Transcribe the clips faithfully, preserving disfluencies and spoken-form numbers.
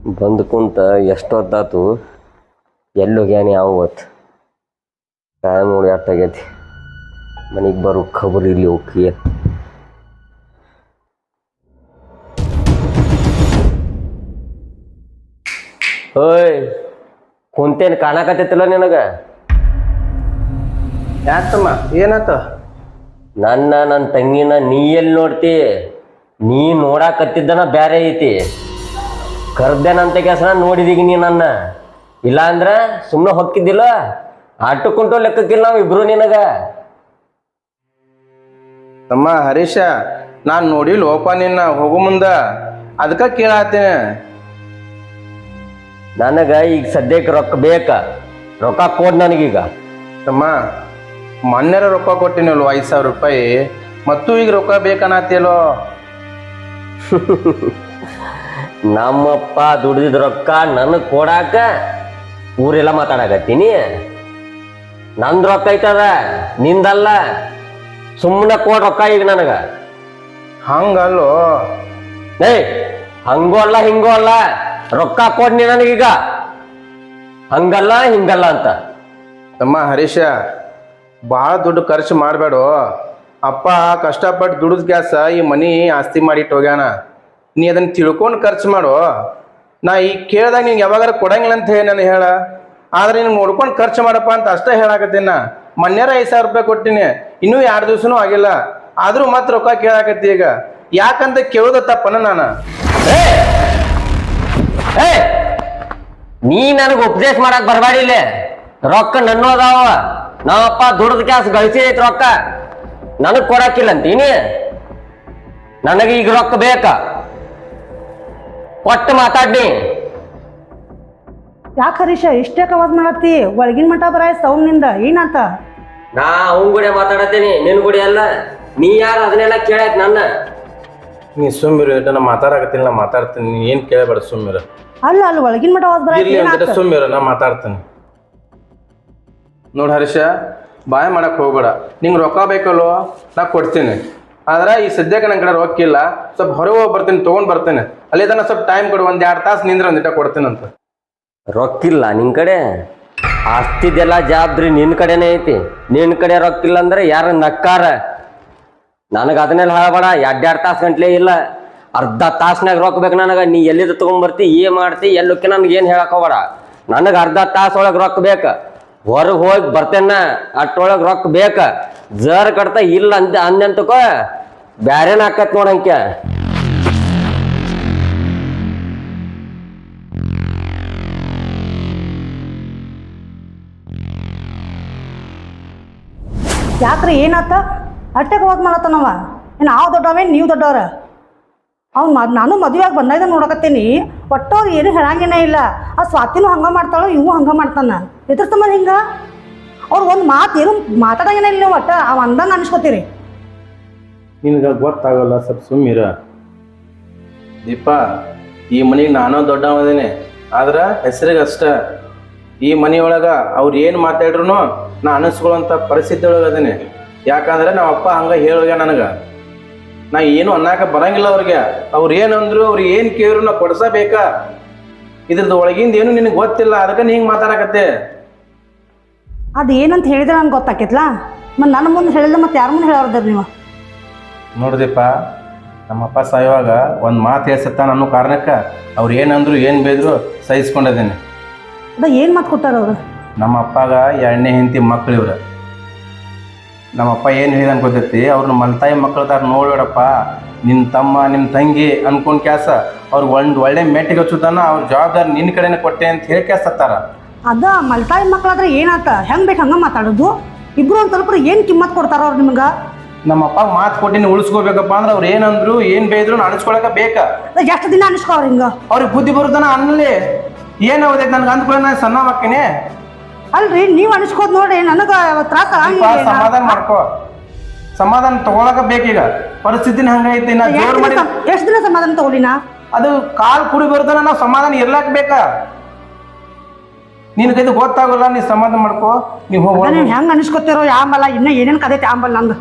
ಬಂದು ಕುಂತ ಎಷ್ಟೊತ್ತಾತು ಎಲ್ಲಿ ಹೋಗ್ಯಾನಿ ಯಾವ ಹೊತ್ತು ಟೈಮ್ ನೋಡಿ ಅಷ್ಟಾಗೈತಿ ಮನೆಗೆ ಬರೋ ಖಬರ್ ಇಲ್ಲಿ ಹೋಗಿ ಓಯ್ ಕುಂತೇನು ಕಾಣಕತ್ತೈತಿಲ್ಲ ನಿನಗೆ ಯಾಕಮ್ಮ ಏನಾತ ನನ್ನ ನನ್ನ ತಂಗಿನ ನೀ ಎಲ್ಲಿ ನೋಡ್ತಿ ನೀ ನೋಡಾಕತ್ತಿದ್ದನ ಬ್ಯಾರೆ ಐತಿ ಕರ್ದೇನಂತ ಕೆಲಸ ನೋಡಿದೀಗ ನೀ ನನ್ನ ಇಲ್ಲ ಅಂದ್ರೆ ಸುಮ್ಮನೆ ಹೊಕ್ಕಿದ್ದಿಲ್ಲ ಆಟಕ್ಕುಂಟು ಲೆಕ್ಕಕ್ಕಿಲ್ಲ ನಾವು ಇಬ್ರು ನಿನಗ ತಮ್ಮ ಹರೀಶ ನಾನು ನೋಡಿ ಲೋಪ ನಿನ್ನ ಹೋಗು ಮುಂದ ಅದಕ್ಕೆ ಕೇಳಾತೇನೆ. ನನಗ ಈಗ ಸದ್ಯಕ್ಕೆ ರೊಕ್ಕ ಬೇಕ ರೊಕ್ಕ ಕೊಡ್ ನನಗೀಗ. ತಮ್ಮ ಮೊನ್ನೆರ ರೊಕ್ಕ ಕೊಟ್ಟಿನಲ್ವ ಐದು ಸಾವಿರ ರೂಪಾಯಿ ಮತ್ತು ಈಗ ರೊಕ್ಕ ಬೇಕನ್ನತ್ತೇಲೋ. ನಮ್ಮಪ್ಪ ದುಡ್ದಿದ್ ರೊಕ್ಕ ನನಗೆ ಕೊಡಾಕ ಊರೆಲ್ಲ ಮಾತಾಡಕತ್ತೀನಿ. ನಂದು ರೊಕ್ಕ ಐತದ ನಿಂದಲ್ಲ, ಸುಮ್ಮನೆ ಕೊಡ್ ರೊಕ್ಕ ಈಗ ನನಗ. ಹಂಗಲ್ಲೋ ಏಯ್ ಹಂಗೋ ಅಲ್ಲ ಹಿಂಗೋ ಅಲ್ಲ, ರೊಕ್ಕ ಕೊಡ್ನಿ ನನಗೀಗ. ಹಂಗಲ್ಲ ಹಿಂಗಲ್ಲ ಅಂತ. ತಮ್ಮ ಹರೀಶ ಭಾಳ ದುಡ್ಡು ಖರ್ಚು ಮಾಡಬೇಡ. ಅಪ್ಪ ಕಷ್ಟಪಟ್ಟು ದುಡಿದ ಗ್ಯಾಸ ಈ ಮನಿ ಆಸ್ತಿ ಮಾಡಿಟ್ಟು ಹೋಗ್ಯಾನ. ನೀ ಅದನ್ನು ತಿಳ್ಕೊಂಡು ಖರ್ಚು ಮಾಡು. ನಾ ಈಗ ಕೇಳ್ದಾಗ ನಿಂಗೆ ಯಾವಾಗಾರ ಕೊಡಂಗಿಲ್ಲ ಅಂತ ಹೇಳಿ ನಾನು ಹೇಳ, ಆದ್ರೆ ನಿನ್ಗೆ ನೋಡ್ಕೊಂಡು ಖರ್ಚು ಮಾಡಪ್ಪ ಅಂತ ಅಷ್ಟೇ ಹೇಳಾಕತ್ತೀನಿ. ನಾ ಮೊನ್ನೆರ ಐದು ಸಾವಿರ ರೂಪಾಯಿ ಕೊಟ್ಟಿನಿ, ಇನ್ನೂ ಎರಡು ದಿವ್ಸನೂ ಆಗಿಲ್ಲ, ಆದರೂ ಮತ್ತೆ ರೊಕ್ಕ ಕೇಳಾಕತ್ತಿ. ಈಗ ಯಾಕಂತ ಕೇಳೋದ ತಪ್ಪನ ನಾನು. ನೀ ನನಗೆ ಉಪದೇಶ ಮಾಡಕ್ ಬರಬೇಡಿಲ್ಲ. ರೊಕ್ಕ ನನ್ನೂ ಅದಾವ, ನಾವಪ್ಪ ದುಡ್ದ ಕ್ಯಾಸ್ ಗಳಿಸಿ ಐತಿ ರೊಕ್ಕ, ನನಗ್ ಕೊಡಾಕಿಲ್ಲ ಅಂತೀನಿ. ನನಗೆ ಈಗ ರೊಕ್ಕ ಬೇಕ, ಕೊಟ್ಟು ಮಾತಾಡ್ನಿ. ಯಾಕೆ ಹರೀಶ ಇಷ್ಟೇ ಕವಾಜ್ ಮಾಡತ್ತಿ? ಒಳಗಿನ ಮಠ ಬರಾಯ ಸೌಮ್ನಿಂದ ಏನಾತ? ನಾ ಅವನ್ ಕೂಡ ಮಾತಾಡತ್ತೇನಿ, ನಿನ್ ಕೂಡ ಅಲ್ಲ. ನೀ ಯಾರು ಅದನ್ನೆಲ್ಲ ಕೇಳಕ್ ನನ್ನ? ನೀ ಸುಮ್ಮಿರು, ನಾ ಮಾತಾಡಕತ್ತಿಲ್ಲ, ನಾ ಮಾತಾಡ್ತೀನಿ. ನೀ ಏನು ಕೇಳಬೇಡ, ಸುಮ್ಮಿರು. ಅಲ್ಲ ಅಲ್ಲ ಒಳಗಿನ ಮಠ ವಾಜ್ ಬರಾಯ ಸುಮ್ಮಿರು, ನಾ ಮಾತಾಡ್ತೀನಿ. ನೋಡಿ ಹರೀಶ, ಬಾಯ ಮಾಡಕ್ ಹೋಗ್ಬೇಡ. ನಿಂಗೆ ರೊಕ್ಕ ಬೇಕಲ್ಲೋ, ನಾ ಕೊಡ್ತೀನಿ. ಆದ್ರೆ ಈ ಸದ್ಯಕ್ಕೆ ನನ್ನ ಕಡೆ ರೊಕ್ಕ ಇಲ್ಲ, ಸ್ವಲ್ಪ ಹೊರಗೆ ಹೋಗಿ ಬರ್ತೀನಿ, ತೊಗೊಂಡು ಬರ್ತೇನೆ. ಅಲ್ಲಿ ತನಕ ಸ್ವಲ್ಪ ಟೈಮ್ ಕೊಡು, ಒಂದು ಎರಡು ತಾಸು ನಿಂದ್ರೆ ಒಂದಿಟ ಕೊಡ್ತೀನಂತ. ರೊಕ್ಕಿಲ್ಲ ನಿನ್ ಕಡೆ? ಆಸ್ತಿದೆಲ್ಲ ಜವಾಬ್ದಾರಿ ನಿನ್ ಕಡೆನೇ ಐತಿ. ನಿನ್ ಕಡೆ ರೊಕ್ಕಿಲ್ಲ ಅಂದ್ರೆ ಯಾರ ನಕ್ಕಾರ? ನನಗೆ ಅದನ್ನೆಲ್ಲ ಹೇಳಬೇಡ. ಎರಡು ಎರಡು ತಾಸು ಗಂಟ್ಲೆ ಇಲ್ಲ, ಅರ್ಧ ತಾಸ್ನಾಗ ರೊಕ್ಕ ಬೇಕು ನನಗೆ. ನೀ ಎಲ್ಲಿದ್ದು ತೊಗೊಂಡ್ಬರ್ತಿ, ಏನ್ ಮಾಡ್ತಿ, ಎಲ್ಲಕ್ಕೆ ನನ್ಗೆ ಏನು ಹೇಳಕ್ ಹೋಗ್ಬೇಡ. ನನಗೆ ಅರ್ಧ ತಾಸು ಒಳಗೆ ರೊಕ್ಕ ಬೇಕ. ಹೊರಗೆ ಹೋಗಿ ಬರ್ತೇನ, ಅಷ್ಟೊಳಗೆ ರೊಕ್ಕ ಬೇಕ. ಜರ್ ಕಟ್ತಾ ಇಲ್ಲ ಅಂದ ಅಂದೆಂತಕೋ ಬ್ಯಾರೇನ ಹಾಕತ್ ನೋಡಂಕೆ. ಯಾಕ್ರಿ ಏನಾತ? ಅಷ್ಟೇ ಕವಾಜ್ ಮಾಡತ್ತನವ. ಏನು ನಾವು ದೊಡ್ಡವೇನು ನೀವು ದೊಡ್ಡವ್ರ? ಅವ್ನು ಮ ನಾನು ಮದುವೆಯಾಗಿ ಬಂದಾಗ ನೋಡಕತ್ತೀನಿ, ಒಟ್ಟವ್ರು ಏನು ಹೇಳಂಗೇನೇ ಇಲ್ಲ. ಆ ಸ್ವಾತಿನೂ ಹಂಗೆ ಮಾಡ್ತಾಳೋ, ಇವು ಹಂಗೆ ಮಾಡ್ತಾನ. ಎದ್ರ ಸಂಬಂಧ ಹಿಂಗೆ? ಅವ್ರು ಒಂದು ಮಾತು ಏನು ಮಾತಾಡಂಗೇನ ಇಲ್ಲ. ನೀವು ಒಟ್ಟ ಅವ ಅಂದಂಗೆ ಅನ್ಸ್ಕೊತೀರಿ. ನಿನ್ಗೆ ಗೊತ್ತಾಗಲ್ಲ, ಸ್ವಲ್ಪ ಸುಮ್ಮಿರ. ದೀಪ, ಈ ಮನೆಗೆ ನಾನು ದೊಡ್ಡವದೇನೆ, ಆದ್ರೆ ಹೆಸರಿಗೆ ಅಷ್ಟ. ಈ ಮನೆಯೊಳಗೆ ಅವ್ರು ಏನು ಮಾತಾಡ್ರು ನಾ ಅನಿಸ್ಕೊಳ್ಳೋಂಥ ಪರಿಸ್ಥಿತಿ ಒಳಗೆ ಅದೇನೆ. ಯಾಕಂದ್ರೆ ನಮ್ಮ ಅಪ್ಪ ಹಂಗೆ ಹೇಳೋಗ್ಯ ನನಗೆ. ನಾ ಏನು ಅನ್ನಕ್ಕೆ ಬರಂಗಿಲ್ಲ ಅವ್ರಿಗೆ. ಅವ್ರು ಏನಂದ್ರು, ಅವ್ರು ಏನು ಕೇಳಿದ್ರು ನಾ ಕೊಡ್ಸಬೇಕಾ. ಇದ್ರದ್ದು ಒಳಗಿಂದ ಏನು ನಿನಗೆ ಗೊತ್ತಿಲ್ಲ, ಅದಕ್ಕೆ ನೀ ಹಿಂಗೆ ಮಾತಾಡಕತ್ತೆ. ಅದು ಏನಂತ ಹೇಳಿದ್ರೆ ನನ್ಗೆ ಗೊತ್ತಾಕೈತ್ಲಾ? ಮತ್ತು ನನ್ನ ಮುಂದೆ ಹೇಳಿಲ್ಲ, ಮತ್ತು ಯಾರ ಮುಂದೆ ಹೇಳೋರ್ದಾರ ನೀವು? ನೋಡ್ದಪ್ಪ, ನಮ್ಮಪ್ಪ ಸಾಯುವಾಗ ಒಂದು ಮಾತು ಹೇಳ್ಸತ್ತ ಅನ್ನೋ ಕಾರಣಕ್ಕೆ ಅವ್ರು ಏನಂದ್ರು ಏನು ಬೇದ್ರು ಸಹಿಸ್ಕೊಂಡಿದ್ದೇನೆ. ಅದ ಏನು ಮಾತು ಕೊಟ್ಟಾರ ಅವರು? ನಮ್ಮ ಅಪ್ಪಗ ಎರಡನೇ ಹೆಂಡತಿ ಮಕ್ಳು ಇವ್ರು. ನಮ್ಮಪ್ಪ ಏನು ಹೇಳಿದ ಅನ್ಕೋತೈತಿ, ಅವ್ರನ್ನ ಮಲ್ತಾಯಿ ಮಕ್ಳು ತರ ನೋಡ್ಬೇಡಪ್ಪ, ನಿನ್ನ ತಮ್ಮ ನಿಮ್ಮ ತಂಗಿ ಅನ್ಕೊಂಡ್ ಕ್ಯಾಸ ಅವ್ರಿಗೆ ಒಂದು ಒಳ್ಳೆ ಮೆಟ್ಟಿಗೆ ಹಚ್ಚುತ್ತಾನ, ಅವ್ರ ಜವಾಬ್ದಾರಿ ನಿನ್ನ ಕಡೆನೇ ಕೊಟ್ಟೆ ಅಂತ ಹೇಳಿ ಕ್ಯಾಸತ್ತಾರ. ಅದ ಮಲ್ತಾಯಿ ಮಕ್ಳಾದ್ರೆ ಏನಾತ? ಹೆಂಗೆ ಬೇಕು ಹಂಗೆ ಮಾತಾಡೋದು? ಇಬ್ರು ಒಂದು ಸ್ವಲ್ಪ ಏನು ಕಿಮ್ಮತ್ ಕೊಡ್ತಾರ ಅವ್ರು ನಿಮ್ಗೆ? ನಮ್ಮಪ್ಪ ಮಾತು ಕೊಟ್ಟಿನ ಉಳಿಸ್ಕೋಬೇಕಪ್ಪ ಅಂದ್ರೆ ಅವ್ರು ಏನಂದ್ರು ಏನು ಬೇದ್ರು ಅನಿಸ್ಕೊಳಕ ಬೇಕಾ? ಎಷ್ಟು ದಿನ ಅನಿಸ್ಕೋ ಅವ್ರು ಹಿಂಗೆ? ಅವ್ರಿಗೆ ಬುದ್ಧಿ ಬರುತ್ತಾನ ಅನ್ನಲಿ. ಏನು ಓದೈತೆ ನನ್ಗೆ ಅಂದ್ಕೊಳ್ಳಿ, ನಾನು ಸಣ್ಣ ಮಕ್ಕನೇ. ಅಲ್ರಿ ನೀವು ಅನಿಸ್ಕೋದ್ ನೋಡಿ ನನಗೆ ತ್ರಾಸ. ಸಮಾಧಾನ ಮಾಡ್ಕೋ, ಸಮಾಧಾನ ತಗೊಳಕ ಬೇಕೀಗ. ಪರಿಸ್ಥಿತಿನ ಹಂಗೈತಿ. ನಾ ಜೋರ್ ಮಾಡಿ ಎಷ್ಟು ದಿನ ಸಮಾಧಾನ ತಗೊಳಿನ? ಅದು ಕಾಲ್ ಕುಡಿ ಬರ್ತಾನ, ನಾವು ಸಮಾಧಾನ ಇರ್ಲಾಕ್ ಬೇಕಾ? ನಿನ್ ಕೈದು ಗೊತ್ತಾಗಲ್ಲ, ನೀ ಸಮಾಧಾನ ಮಾಡ್ಕೋ. ನೀವು ಹೋಗ. ನೀವು ಹೆಂಗೆ ಅನಿಸ್ಕೊತಿರೋ ಆಂಬಲ್ಲ, ಇನ್ನ ಏನೇನು ಕದೈತಿ ಆಂಬಲ್ಲ ನಂದು.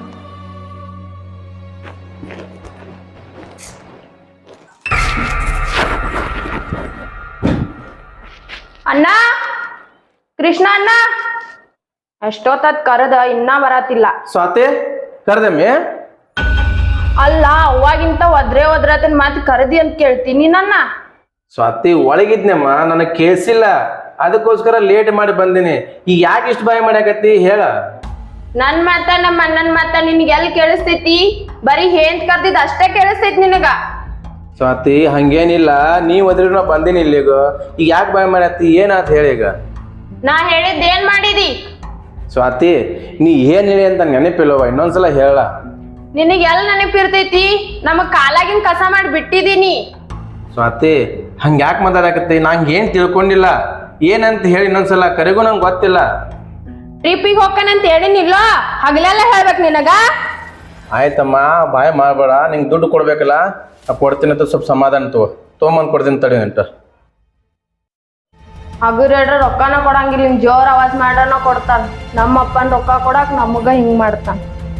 ಅಣ್ಣ ಕೃಷ್ಣ ಅಣ್ಣ ಎಷ್ಟೊತ್ತದ್ ಕರೆದ ಇನ್ನ ಬರತಿಲ್ಲ. ಸ್ವಾತಿ ಕರ್ದಮ್ಮಿ ಅಲ್ಲ ಅವಾಗಿಂತ ಒದ್ರೆ ಒದ್ರತನ್ ಮಾತ್ ಕರದಿ ಅಂತ ಕೇಳ್ತೀನಿ ನನ್ನ. ಸ್ವಾತಿ ಒಳಗಿದ್ನಮ್ಮ ನನಗೆ ಕೇಳಿಸಿಲ್ಲ, ಅದಕ್ಕೋಸ್ಕರ ಲೇಟ್ ಮಾಡಿ ಬಂದಿನಿ. ಈಗ ಯಾಕೆ ಇಷ್ಟು ಬಾಯಿ ಮಾಡ್ಯಾಕತ್ತಿ ಹೇಳ. ನನ್ ಮಾತ ನಮ್ಮ ಅಣ್ಣನ್ ಮಾತ ನಿನ್ಗೆ ಎಲ್ಲಿ ಕೇಳಿಸ್ತೈತಿ? ಬರೀ ಹೇಂತ್ ಕರ್ದಿದ್ ಅಷ್ಟೇ ಕೇಳಿಸ್ತೈತಿ ನಿನಗ. ಸ್ವಾತಿ ಹಂಗೇನಿಲ್ಲ, ನೀ ಒದ್ರಿ ನಾ ಬಂದಿನಿ ಇಲ್ಲಿಗ. ಈಗ ಯಾಕೆ ಬಾಯಿ ಮಾಡ್ಯಾತಿ ಏನಾತ್ ಹೇಳಿ ಈಗ. ನಾ ಹೇಳಿದ್ ಏನ್ ಮಾಡಿದಿ? ಸ್ವಾತಿ ನೀ ಏನ್ ಹೇಳಿ ಅಂತ ನೆನಪಿಲ್ಲವ, ಇನ್ನೊಂದ್ಸಲ ಹೇಳ. ನಿನಗೆ ಎಲ್ ನೆನಪಿರ್ತೈತಿ? ನಮಗ್ ಕಾಲಾಗಿನ್ ಕಸ ಮಾಡಿ ಬಿಟ್ಟಿದೀನಿ. ಸ್ವಾತಿ ಹಂಗ ಯಾಕೆ ಮಾತಾಡಕತ್ತಿ? ನಂಗೆ ಏನ್ ತಿಳ್ಕೊಂಡಿಲ್ಲ, ಏನಂತ ಹೇಳಿ ಇನ್ನೊಂದ್ಸಲ ಕರೆಗೂ ನಂಗೆ ಗೊತ್ತಿಲ್ಲ. ಟ್ರಿಪ್ಪಿಗೆ ಹೋಗ್ಕನಂತ ಹೇಳಿನಿಲ್ಲ, ಹಗಲೆಲ್ಲ ಹೇಳ್ಬೇಕು ನಿನಗ. ಆಯ್ತಮ್ಮ ಬಾಯ್ ಮಾಡ್ಬೇಡ, ನಿಂಗೆ ದುಡ್ಡು ಕೊಡ್ಬೇಕಲ್ಲ, ನಾ ಕೊಡ್ತೀನಿ ಅಂತ ಸ್ವಲ್ಪ ಸಮಾಧಾನ ತಗೋ. ತೊಗೊಂಬಂದು ಕೊಡ್ತೀನಿ ತಡಿ ಅಂತ. ಹಗುರೇಡ್ರ ರೊಕ್ಕನ ಕೊಡಂಗಿಲ್ಲ, ಹಿಂಗ್ ಜೋರ್ ಆವಾಜ್ ಮಾಡ್ರನ ಕೊಡ್ತಾನ. ನಮ್ಮ ಅಪ್ಪನ್ ರೊಕ್ಕ ಕೊಡಾಕ್ ನಮಗ ಹಿಂಗ್ ಮಾಡ್ತಾನ.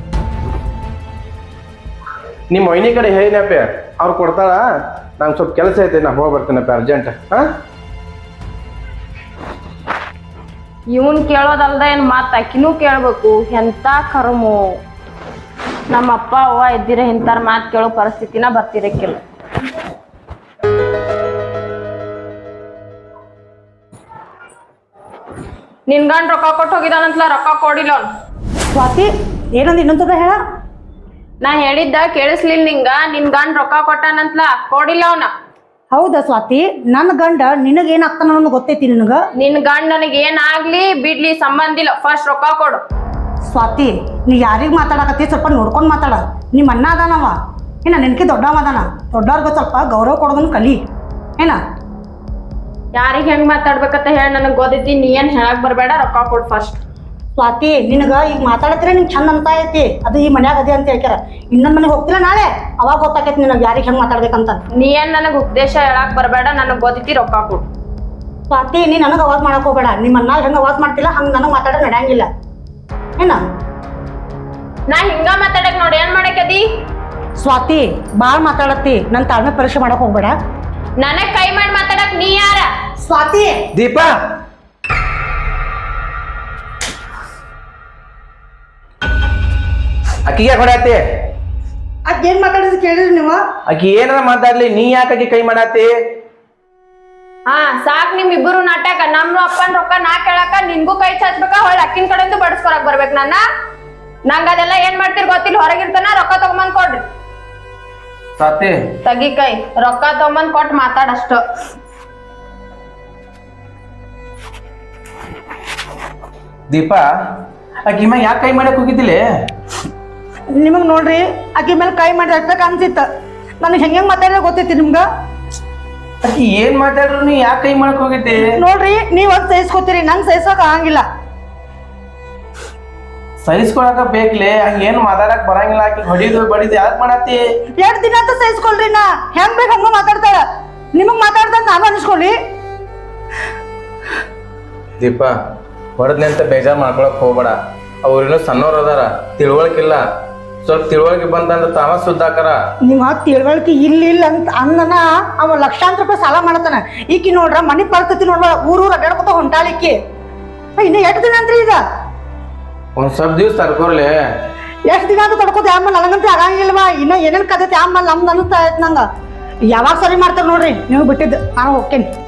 ನಿಮ್ಮ ಮೊಯ್ನಿ ಕಡೆ ಹೇಳಿನಪ್ಪ, ಅವ್ರು ಕೊಡ್ತಾಳ. ನಂಗೆ ಸ್ವಲ್ಪ ಕೆಲಸ ಐತೆ, ನಾ ಹೋಗಿ ಬರ್ತೀನಪ್ಪ ಅರ್ಜೆಂಟ್. ಹಾ ಇವನ್ ಕೇಳೋದಲ್ದ ಏನ್ ಮಾತ್ ಅಕ್ಕಿನೂ ಕೇಳ್ಬೇಕು. ಎಂತ ಕರ್ಮು. ನಮ್ಮ ಅಪ್ಪ ಅವ್ವ ಎದ್ದಿರ ಇಂತಾರ ಮಾತ್ ಕೇಳೋ ಪರಿಸ್ಥಿತಿನ ಬರ್ತಿರಕ್ಕಿಲ್ಲ. ನಿನ್ ಗಂಡ್ ರೊಕ್ಕ ಕೊಟ್ಟು ಹೋಗಿದಾನಂತಲ, ರೊಕ್ಕ ಕೊಡಿಲ್ಲ ಅವ್ನು. ಸ್ವಾತಿ ಏನಂದ ಇನ್ನೊಂದ್ಸಲ ಹೇಳ. ನಾ ಹೇಳಿದ್ದ ಕೇಳಿಸ್ಲಿಲ್ಲ ನಿಂಗ? ನಿನ್ ಗಂಡ್ ರೊಕ್ಕ ಕೊಟ್ಟಾನಂತಲ, ಕೊಡಿಲ್ಲ ಅವನ. ಹೌದಾ ಸ್ವಾತಿ, ನನ್ನ ಗಂಡ ನಿನಗೇನಾಗ್ತಾನ ಅನ್ನೋದು ಗೊತ್ತೈತಿ ನಿನಗ? ನಿನ್ ಗಂಡ್ ನನಗ್ ಏನಾಗ್ಲಿ ಬಿಡ್ಲಿ ಸಂಬಂಧ ಇಲ್ಲ, ಫಸ್ಟ್ ರೊಕ್ಕ ಕೊಡು. ಸ್ವಾತಿ ನೀ ಯಾರಿಗ್ ಮಾತಾಡಕತ್ತಿ ಸ್ವಲ್ಪ ನೋಡ್ಕೊಂಡು ಮಾತಾಡ. ನಿಮ್ಮ ಅಣ್ಣ ಅದಾನವ ಏನ, ನಿನ್ಕಿ ದೊಡ್ಡವ ಅದಾನ. ದೊಡ್ಡವ್ರಿಗೆ ಸ್ವಲ್ಪ ಗೌರವ ಕೊಡೋದನ್ನ ಕಲಿ ಏನ. ಯಾರಿಗ್ ಹೆಂಗ್ ಮಾತಾಡ್ಬೇಕಂತ ಹೇಳಿ ನನಗ್ ಗೊತ್ತೈತಿ. ನೀ ಏನ್ ಹೇಳಕ್ ಬರ್ಬೇಡ, ರೊಕ್ಕ ಕೊಡು ಫಸ್ಟ್. ಸ್ವಾತಿ ನಿನಗ ಈಗ ಮಾತಾಡತ್ರೆ ನಿಂಗೆ ಚಂದ ಅಂತ ಐತಿ, ಅದು ಈ ಮನ್ಯಾಗ ಅದೇ ಅಂತ ಹೇಳ್ಯಾರ. ಇನ್ನೊಂದ್ ಮನೆಗೆ ಹೋಗ್ತಿಲ್ಲ ನಾಳೆ, ಅವಾಗ ಗೊತ್ತಾಕೈತಿ ನಿನಗೆ ಯಾರಿಗೆ ಹೆಂಗ್ ಮಾತಾಡ್ಬೇಕಂತ. ನೀ ಏನ್ ನನಗ್ ಉಪದೇಶ ಹೇಳಕ್ ಬರ್ಬೇಡ, ನನಗ್ ಗೊತ್ತೈತಿ, ರೊಕ್ಕ ಕೊಡು. ಸ್ವಾತಿ ನೀ ನನಗೆ ಅವಾಜ್ ಮಾಡಕ್ ಹೋಗ್ಬೇಡ. ನಿಮ್ಮ ಅಣ್ಣ ಹೆಂಗ್ ಅವಾಜ್ ಮಾಡ್ತಿಲ್ಲ ಹಂಗ ನನಗೆ ಮಾತಾಡ ನಡೆಯಂಗಿಲ್ಲ ಏನ. ನಾ ಹಿಂಗ ಮಾತಾಡಕ್ ನೋಡಿ ಏನ್ ಮಾಡಕದಿ? ಸ್ವಾತಿ ಬಾಳ್ ಮಾತಾಡತ್ತಿ, ನನ್ ತಾಳ್ಮೆ ಪರೀಕ್ಷೆ ಮಾಡಕ್ ಹೋಗ್ಬೇಡ. ನನಗ್ ಕೈ ಮಾಡಿ ಮಾತಾಡಕ್ ನೀ ಯಾರ? ಸ್ವಾತಿ ದೀಪಾ ಅಕ್ಕಿಗೆ ಹೊಡ್ಯಾತಿ? ಅದ್ ಏನ್ ಮಾತಾಡಿದ್ ಕೇಳಿದ್ರಿ ನೀವು? ಆಕಿ ಏನಾರ ಮಾತಾಡ್ಲಿ, ನೀ ಯಾಕೆ ಆಕಿ ಕೈ ಮಾಡಾತಿ? ಹಾ ಸಾಕ್ ನಿಮ್ ಇಬ್ಬರು ನಾಟಕ. ನಮ್ ಅಪ್ಪನ್ ರೊಕ್ಕ ನಾ ಕೇಳಕ ನಿನ್ಗೂ ಕೈ ಚಾಚ್ಬೇಕ, ಹೊಳ್ಳಿ ಅಕ್ಕಿನ ಕಡೆಯಿಂದ ಬಡಸ್ಕೊಳಕ್ ಬರ್ಬೇಕು ನನ್ನ. ನಂಗ ಅದೆಲ್ಲ ಏನ್ ಮಾಡ್ತೀರಿ ಗೊತ್ತಿಲ್ಲ, ಹೊರಗಿರ್ತಾನ ರೊಕ್ಕ ತಗೊಂಬಂದ್ ಕೊಡ್ರಿ. ಸ್ವಾತಿ ತಗಿ ಕೈ, ರೊಕ್ಕ ತಗೊಂಬಂದ್ ಕೊಟ್ಟು ಮಾತಾಡಷ್ಟ. ದೀಪಾ ಆಕಿ ಮ್ಯಾಗ ಯಾಕೆ ಕೈ ಮಾಡಕ್ ಹೋಗಿದ್ದಿಲ್ಲ? ನಿಮಗ್ ನೋಡ್ರಿ ಆಕಿ ಮೇಲೆ ಕೈ ಮಾಡಿ ಹಾಕ್ಬೇಕು ಅನ್ಸಿತ್ತ. ನನಗೆ ಹೆಂಗ್ ಹೆಂಗ್ ಮಾತಾಡಿದ್ರೆ ಗೊತ್ತೈತಿ ನಿಮ್ಗ? ಆಕಿ ಏನ್ ಮಾತಾಡ್ರು ನೀ ಯಾಕೆ ಕೈ ಮಾಡಕ್ ಹೋಗಿದ್ದಿ? ನೋಡ್ರಿ ನೀವ್ ಅದ್ ಸಹಿಸ್ಕೋತೀರಿ, ನಂಗೆ ಸಹಿಸೋಕ್ ಆಗಂಗಿಲ್ಲ. ಸಹಿಸ್ಕೊಳಕ ಬೇಕ್ಲೆ, ಹಂಗ ಏನ್ ಮಾತಾಡಕ್ ಬರಂಗಿಲ್ಲ. ಆಕಿ ಹೊಡಿದು ಬಡಿದು ಯಾಕೆ ಮಾಡತ್ತಿ? ಎರಡ್ ದಿನ ಅಂತ ಸಹಿಸ್ಕೊಳ್ರಿ, ನಾ ಹೆಂಗ್ ಬೇಕು ಹಂಗ ಮಾತಾಡ್ತಾಳ. ನಿಮಗ್ ಮಾತಾಡ್ದಂಗ ನಾನು ಅನಿಸ್ಕೊಳ್ಳಿ. ದೀಪಾ ಹೊಡೆದ್ನಿ ಅಂತ ಬೇಜಾರ್ ಮಾಡ್ಕೊಳಕ್ ಹೋಗ್ಬೇಡ. ಅವ್ರಿನ್ನೂ ಸಣ್ಣವ್ರ ಅದಾರ, ತಿಳುವಳಿಕಿಲ್ಲ. ಸ್ವಲ್ಪ ತಿಳುವಳಿಕೆ ಬಂತಂದ್ರೆ ತಾವ ಸುದ್ದಾಕರ. ನಿಮ್ಮ ತಿಳುವಳಿಕೆ ಇಲ್ಲ ಇಲ್ಲ ಅಂತ ಅಂದನ ಅವ ಲಕ್ಷಾಂತರ ರೂಪಾಯಿ ಸಾಲ ಮಾಡತಾನ. ಈಕಿ ನೋಡ್ರ ಮನಿ ಪರಿಸ್ಥಿತಿ ನೋಡ್ಬೇಡ, ಊರೂರ್ ಅಡ್ಡಾಡ್ಕೊತ ಹೊಂಟಾಳಿಕ್ಕಿ. ಇನ್ನ ಎಷ್ಟು ದಿನ ಅಂತ್ರಿ ಈಗ? ಒಂದ್ ಸ್ವಲ್ಪ ದಿವ್ಸ ತಡ್ಕೊರ್ಲಿ. ಎಷ್ಟು ದಿನ ಅಂತ ತಡ್ಕೋತ ಆಮೇಲೆ ನನಗಂತೂ ಆಗಂಗಿಲ್ವಾ? ಇನ್ನ ಏನೇನ್ ಕದೈತಿ ಆಮೇಲೆ ನಮ್ದು ಅನಿಸ್ತಾ ಐತ್ ನಂಗ. ಯಾವಾಗ ಸರಿ ಮಾಡ್ತಾರ ನೋಡ್ರಿ ನೀವು ಬಿಟ್ಟಿದ್ದು, ನಾನು ಹೋಗ್ತೇನೆ.